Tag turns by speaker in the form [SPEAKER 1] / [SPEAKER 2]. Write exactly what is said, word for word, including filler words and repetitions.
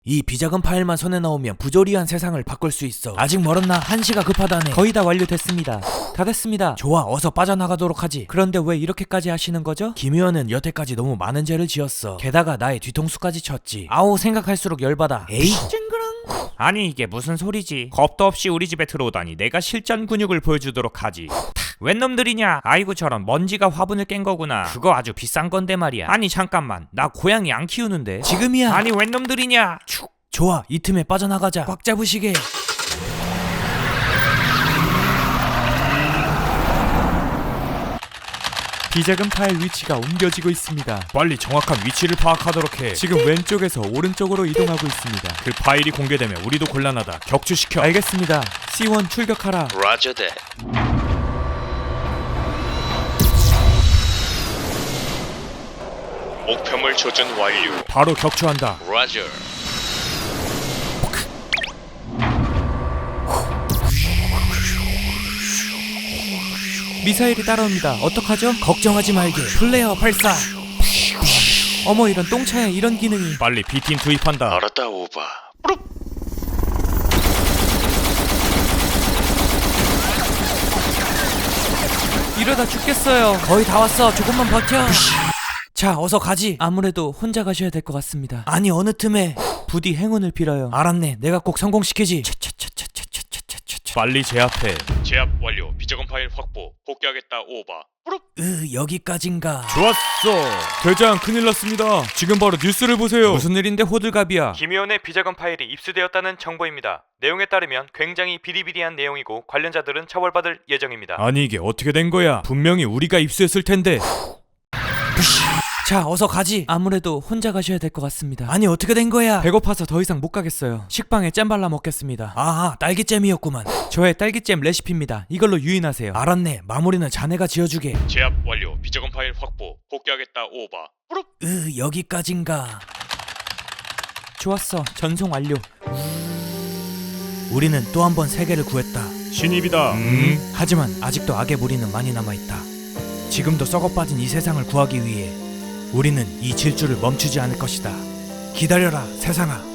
[SPEAKER 1] 이 비자금 파일만 손에 넣으면 부조리한 세상을 바꿀 수 있어. 아직 멀었나? 한시가 급하다네.
[SPEAKER 2] 거의 다 완료됐습니다. 다 됐습니다.
[SPEAKER 1] 좋아, 어서 빠져나가도록 하지.
[SPEAKER 2] 그런데 왜 이렇게까지 하시는 거죠?
[SPEAKER 1] 김 의원은 여태까지 너무 많은 죄를 지었어. 게다가 나의 뒤통수까지 쳤지.
[SPEAKER 2] 아우, 생각할수록 열받아.
[SPEAKER 1] 에이,
[SPEAKER 3] 아니 이게 무슨 소리지? 겁도 없이 우리 집에 들어오다니 내가 실전 근육을 보여주도록 하지. 웬 놈들이냐? 아이고 저런, 먼지가 화분을 깬 거구나. 그거 아주 비싼 건데 말이야. 아니 잠깐만, 나 고양이 안 키우는데.
[SPEAKER 1] 지금이야.
[SPEAKER 3] 아니 웬 놈들이냐? 축.
[SPEAKER 1] 좋아, 이 틈에 빠져나가자. 꽉 잡으시게.
[SPEAKER 2] 비자금 파일 위치가 옮겨지고 있습니다.
[SPEAKER 3] 빨리 정확한 위치를 파악하도록 해.
[SPEAKER 2] 지금 왼쪽에서 오른쪽으로 이동하고 있습니다.
[SPEAKER 3] 그 파일이 공개되면 우리도 곤란하다. 격추시켜.
[SPEAKER 2] 알겠습니다. 씨 원 출격하라.
[SPEAKER 4] Roger that. 목표물 조준 완료.
[SPEAKER 3] 바로 격추한다.
[SPEAKER 4] Roger.
[SPEAKER 2] 미사일이 따라옵니다. 어떡하죠?
[SPEAKER 1] 걱정하지 말게. 플레이어 발사.
[SPEAKER 2] 어머, 이런 똥차에 이런 기능이.
[SPEAKER 3] 빨리 비팀 투입한다.
[SPEAKER 4] 알았다 오바.
[SPEAKER 2] 이러다 죽겠어요.
[SPEAKER 1] 거의 다 왔어. 조금만 버텨. 자, 어서 가지.
[SPEAKER 2] 아무래도 혼자 가셔야 될 것 같습니다.
[SPEAKER 1] 아니, 어느 틈에.
[SPEAKER 2] 부디 행운을 빌어요.
[SPEAKER 1] 알았네. 내가 꼭 성공시키지.
[SPEAKER 3] 빨리 제압해.
[SPEAKER 4] 제압 완료. 비자금 파일 확보. 복귀하겠다 오바.
[SPEAKER 1] 으, 여기까진가.
[SPEAKER 3] 좋았어. 대장 큰일 났습니다. 지금 바로 뉴스를 보세요.
[SPEAKER 2] 무슨 일인데 호들갑이야.
[SPEAKER 5] 김 의원의 비자금 파일이 입수되었다는 정보입니다. 내용에 따르면 굉장히 비리비리한 내용이고 관련자들은 처벌받을 예정입니다.
[SPEAKER 3] 아니 이게 어떻게 된 거야? 분명히 우리가 입수했을 텐데.
[SPEAKER 1] 자, 어서 가지.
[SPEAKER 2] 아무래도 혼자 가셔야 될 것 같습니다.
[SPEAKER 1] 아니, 어떻게 된 거야?
[SPEAKER 2] 배고파서 더 이상 못 가겠어요. 식빵에 잼 발라 먹겠습니다.
[SPEAKER 1] 아하, 딸기잼이었구만.
[SPEAKER 2] 저의 딸기잼 레시피입니다. 이걸로 유인하세요.
[SPEAKER 1] 알았네. 마무리는 자네가 지어주게.
[SPEAKER 4] 제압 완료. 비자금 파일 확보. 복귀하겠다 오바.
[SPEAKER 1] 으, 여기까진가.
[SPEAKER 2] 좋았어. 전송 완료.
[SPEAKER 1] 우리는 또 한 번 세계를 구했다.
[SPEAKER 3] 신입이다.
[SPEAKER 1] 음. 하지만 아직도 악의 무리는 많이 남아있다. 지금도 썩어빠진 이 세상을 구하기 위해 우리는 이 질주를 멈추지 않을 것이다. 기다려라, 세상아.